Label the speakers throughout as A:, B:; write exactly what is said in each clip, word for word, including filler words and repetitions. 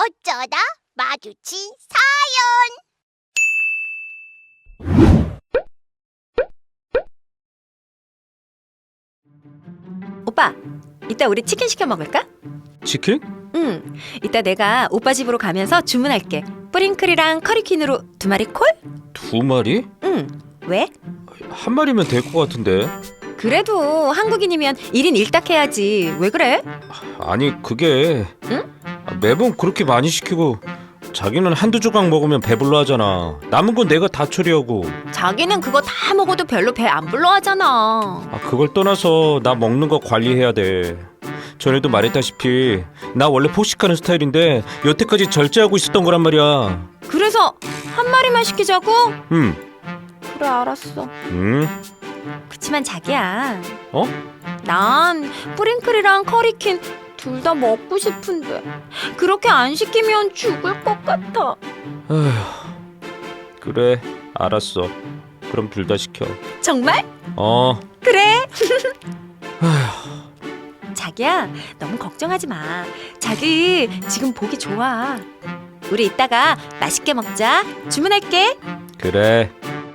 A: 어쩌다 마주친
B: 오빠, 이따 우리 치킨 시켜 먹을까?
C: 치킨?
B: 응, 이따 내가 오빠 집으로 가면서 주문할게. 뿌링클이랑 커리퀸으로 두 마리 콜?
C: 두 마리?
B: 응, 왜?
C: 한 마리면 될 것 같은데.
B: 그래도 한국인이면 일 인 일 닭 해야지. 왜 그래?
C: 아니 그게
B: 응?
C: 매번 그렇게 많이 시키고 자기는 한두 조각 먹으면 배불러 하잖아. 남은 건 내가 다 처리하고.
B: 자기는 그거 다 먹어도 별로 배 안 불러 하잖아.
C: 아, 그걸 떠나서 나 먹는 거 관리해야 돼. 전에도 말했다시피 나 원래 포식하는 스타일인데 여태까지 절제하고 있었던 거란 말이야.
B: 그래서 한 마리만 시키자고?
C: 응.
B: 그래, 알았어.
C: 응?
B: 그치만 자기야,
C: 어?
B: 난 뿌링클이랑 커리퀸 둘 다 먹고 싶은데 그렇게 안 시키면 죽을 것 같아.
C: 아휴, 그래 알았어. 그럼 둘 다 시켜.
B: 정말?
C: 어.
B: 그래.
C: 아휴.
B: 자기야, 너무 걱정하지 마. 자기 지금 보기 좋아. 우리 이따가 맛있게 먹자. 주문할게.
C: 그래.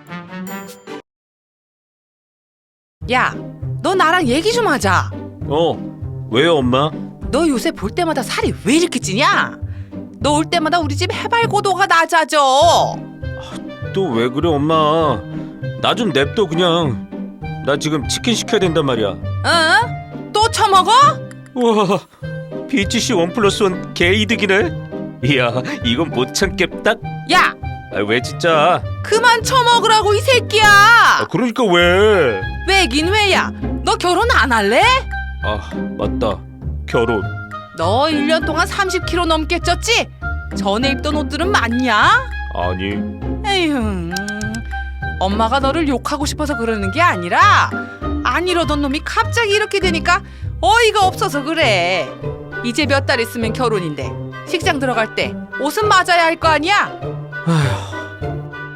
D: 야, 너 나랑 얘기 좀 하자.
C: 어. 왜요 엄마?
D: 너 요새 볼 때마다 살이 왜 이렇게 찌냐? 너 올 때마다 우리 집 해발 고도가 낮아져.
C: 또 왜 그래 엄마? 나 좀 냅둬 그냥. 나 지금 치킨 시켜야 된단 말이야.
D: 응? 또 처먹어?
C: 우와, 비티씨 원 플러스 원 개이득이네. 이야, 이건 못 참겠다.
D: 야,
C: 아, 왜 진짜?
D: 그만 처먹으라고 이 새끼야.
C: 아, 그러니까 왜?
D: 왜긴 왜야? 너 결혼 안 할래?
C: 아, 맞다. 결혼.
D: 너 일 년 동안 삼십 킬로그램 넘게 쪘지? 전에 입던 옷들은 맞냐?
C: 아니.
D: 에휴, 엄마가 너를 욕하고 싶어서 그러는 게 아니라 안 이러던 놈이 갑자기 이렇게 되니까 어이가 없어서 그래. 이제 몇 달 있으면 결혼인데 식장 들어갈 때 옷은 맞아야 할 거 아니야?
C: 아휴.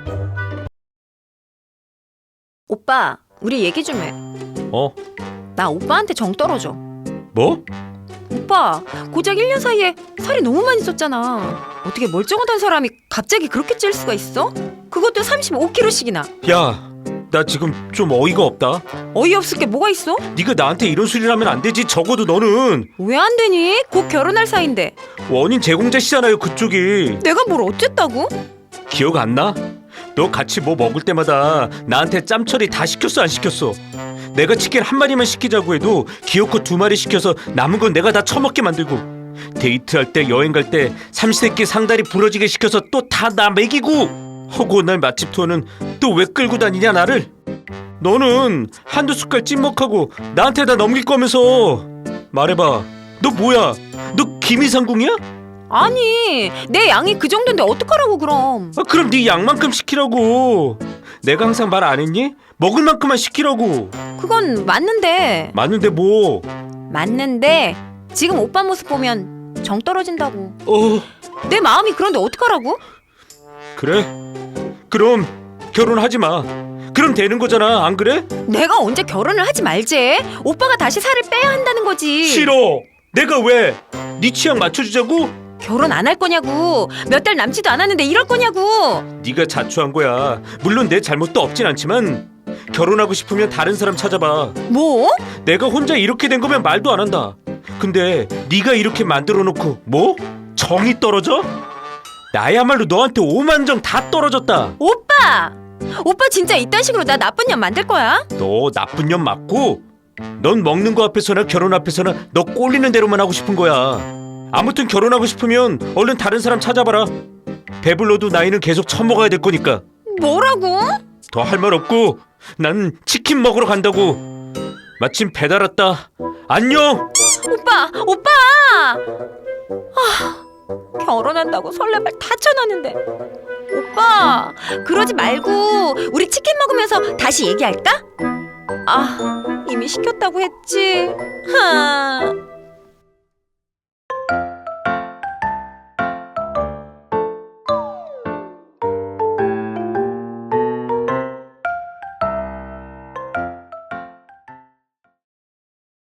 B: 오빠, 우리 얘기 좀 해.
C: 어?
B: 나 오빠한테 정 떨어져.
C: 뭐?
B: 오빠, 고작 일 년 사이에 살이 너무 많이 쪘잖아. 어떻게 멀쩡하던 사람이 갑자기 그렇게 찔 수가 있어? 그것도 삼십오 킬로그램씩이나.
C: 야, 나 지금 좀 어이가 없다.
B: 어이없을 게 뭐가 있어?
C: 네가 나한테 이런 소리를 하면 안 되지. 적어도 너는
B: 왜 안 되니? 곧 결혼할 사이인데.
C: 원인 제공자시잖아요, 그쪽이.
B: 내가 뭘 어쨌다고?
C: 기억 안 나? 너 같이 뭐 먹을 때마다 나한테 짬처리 다 시켰어 안 시켰어? 내가 치킨 한 마리만 시키자고 해도 기어코 두 마리 시켜서 남은 건 내가 다 처먹게 만들고, 데이트할 때 여행 갈 때 삼시세끼 상다리 부러지게 시켜서 또 다 나 먹이고, 허구한 날 맛집 투어는 또 왜 끌고 다니냐 나를? 너는 한두 숟갈 찐먹하고 나한테 다 넘길 거면서. 말해봐, 너 뭐야? 너 김이상궁이야?
B: 아니, 내 양이 그 정도인데 어떡하라고 그럼.
C: 아, 그럼 네 양만큼 시키라고. 내가 항상 말 안 했니? 먹을 만큼만 시키라고.
B: 그건 맞는데.
C: 맞는데 뭐?
B: 맞는데 지금 오빠 모습 보면 정 떨어진다고.
C: 어,
B: 내 마음이 그런데 어떡하라고?
C: 그래? 그럼 결혼하지 마. 그럼 되는 거잖아, 안 그래?
B: 내가 언제 결혼을 하지 말지. 오빠가 다시 살을 빼야 한다는 거지.
C: 싫어. 내가 왜? 네 취향 맞춰주자고?
B: 결혼 안 할 거냐고. 몇 달 남지도 않았는데 이럴 거냐고.
C: 네가 자초한 거야. 물론 내 잘못도 없진 않지만 결혼하고 싶으면 다른 사람 찾아봐.
B: 뭐?
C: 내가 혼자 이렇게 된 거면 말도 안 한다. 근데 네가 이렇게 만들어 놓고 뭐? 정이 떨어져? 나야말로 너한테 오만정 다 떨어졌다.
B: 오빠! 오빠 진짜 이딴 식으로 나 나쁜 년 만들 거야?
C: 너 나쁜 년 맞고, 넌 먹는 거 앞에서나 결혼 앞에서나 너 꼴리는 대로만 하고 싶은 거야. 아무튼 결혼하고 싶으면 얼른 다른 사람 찾아봐라. 배불러도 나이는 계속 처먹어야 될 거니까.
B: 뭐라고?
C: 더 할 말 없고 난 치킨 먹으러 간다고. 마침 배달 왔다. 안녕.
B: 오빠! 오빠! 아, 결혼한다고 설레발 다 쳐놨는데. 오빠, 그러지 말고 우리 치킨 먹으면서 다시 얘기할까? 아, 이미 시켰다고 했지. 하.